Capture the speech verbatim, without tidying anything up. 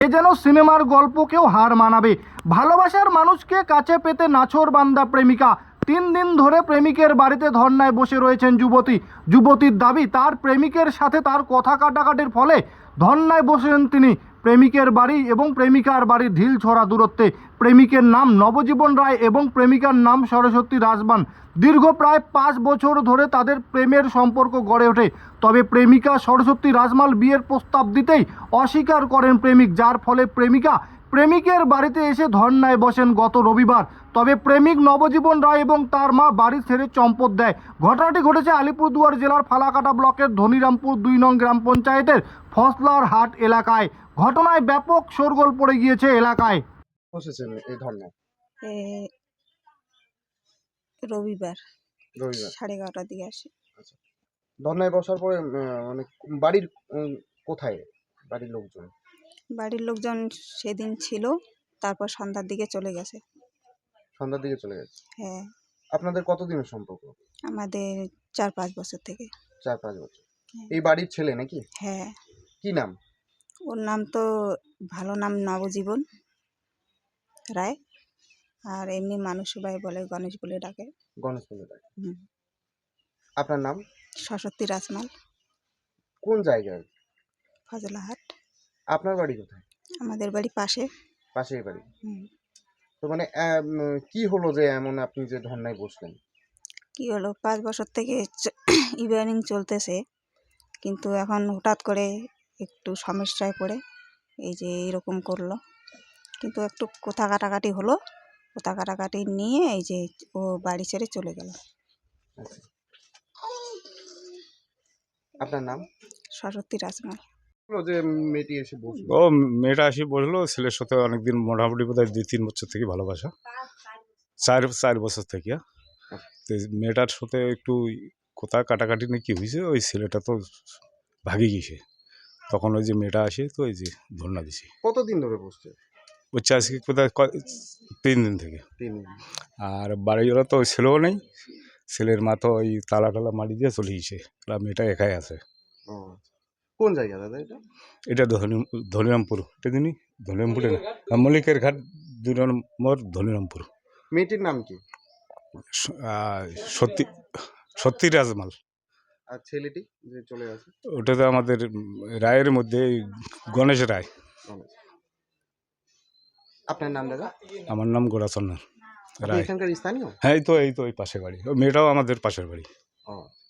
এ যেন সিনেমার গল্পকেও হার মানাবে। ভালোবাসার মানুষকে কাছে পেতে নাছোড়বান্দা প্রেমিকা। তিন দিন ধরে প্রেমিকের বাড়িতে ধর্নায় বসে রয়েছেন যুবতী। যুবতীর দাবি, তার প্রেমিকের সাথে তার কথা কাটাকাটির ফলে ধর্নায় বসেন তিনি। প্রেমিকের বাড়ি এবং প্রেমিকার বাড়ির ঢিল ছড়া দূরত্বে। প্রেমিকের নাম নবজীবন রায় এবং প্রেমিকার নাম সরস্বতী রাজমান। দীর্ঘ প্রায় পাঁচ বছর ধরে তাদের প্রেমের সম্পর্ক গড়ে ওঠে। তবে প্রেমিকা সরস্বতী রাজমাল বিয়ের প্রস্তাব দিতেই অস্বীকার করেন প্রেমিক, যার ফলে প্রেমিকা প্রেমিকের বাড়িতে এসে ধর্নায় বসেন গত রবিবার। তবে প্রেমিক নবজীবন রায় এবং তার মা বাড়ি ছেড়ে চম্পট দেয়। ঘটনাটি ঘটেছে আলিপুরদুয়ার জেলার ফালাকাটা ব্লকের ধনিরামপুর দুই নং গ্রাম পঞ্চায়েতের ফসলার হাট এলাকায়। ঘটনায় ব্যাপক শোরগোল পড়ে গিয়েছে এলাকায়। বসেছেন এই ধর্নায়? এ রবিবার রবিবার সাড়ে এগারোটার দিকে আসি। আচ্ছা, ধর্নায় বসার পরে উম, মানে বাড়ির উম, কোথায় বাড়ির লোকজন? বাড়ির লোকজন সেদিন ছিল, তারপর সন্ধ্যার দিকে চলে গেছে। সন্ধ্যার দিকে চলে গেছে। হ্যাঁ, আপনাদের কতদিনের সম্পর্ক? আমাদের চার পাঁচ বছর থেকে। চার পাঁচ বছর। হ্যাঁ। এই বাড়ির ছেলে নাকি? হ্যাঁ, কি নাম? ওর নাম তো ভালো নাম নবজীবন রায়, আর এমনি মানুষ সবাই বলে গণেশ বলে ডাকে। গণেশ বলে ডাকে। হুম। আপনার নাম? সরস্বতী রাজমাল, কোন জায়গায়? ফজলাহাট। আপনার বাড়ি কোথায়? আমাদের বাড়ি পাশে। পাশেই বাড়ি। হুম। তো মানে আহ, উম, কি হলো যে এমন আপনি যে ধর্নায় বসলেন? কি হলো, পাঁচ বছর থেকে ইদানিং চলতেছে, কিন্তু এখন হঠাৎ করে একটু সমস্যায় পড়ে এই যে এরকম করলো। কিন্তু একটু কথা কাটাকাটি হলো, কথা কাটাকাটি নিয়ে এই যে ও বাড়ি ছেড়ে চলে গেল। আচ্ছা। আপনার নাম? সরস্বতী রাজমাল। হলো যে মেয়েটি এসে বসলো। ও মেয়েটা আসি বসলো, ছেলের সাথে অনেকদিন মোটামুটি বোধ হয় দুই তিন বছর থেকে ভালোবাসা, চার চার বছর থেকে। তো মেয়েটার সাথে একটু কথা কাটাকাটি নিয়ে কী হয়েছে, ওই ছেলেটা তো ভাগে গিয়েছে। তখন ওই যে মেয়েটা আসে, তো ওই যে ধর্না দিছে। কতদিন ধরে বসছে? হচ্ছে আজকে কোথায় ক- তিন দিন থেকে। তিন দিন। আর বাড়িওয়ালা তো ওই ছেলেও নেই, ছেলের মা তো ওই তালা টালা মারি দিয়ে চলে গেছে, আর মেয়েটা একাই আছে। ও, কোন জায়গা দাদা এটা? এটা ধনি ধনিরামপুর, এটা দিনই ধনিরামপুরে না, মল্লিকের ঘাট দুই নম্বর ধনিরামপুর। মেয়েটির নাম কি? স- আহ, সত্যি সত্যি রাজমাল। আর ছেলেটি যে চলে গেছে? ওটা তো আমাদের রায়ের মধ্যে গণেশ রায়। গণেশ। আপনার নাম দাদা? আমার নাম গোরাচন্দ্র আপনি রায়। এখানকার স্থানীয়? হ্যাঁ, এই তো এই তো এই পাশের বাড়ি, ও মেয়েটাও আমাদের পাশের বাড়ি। ও।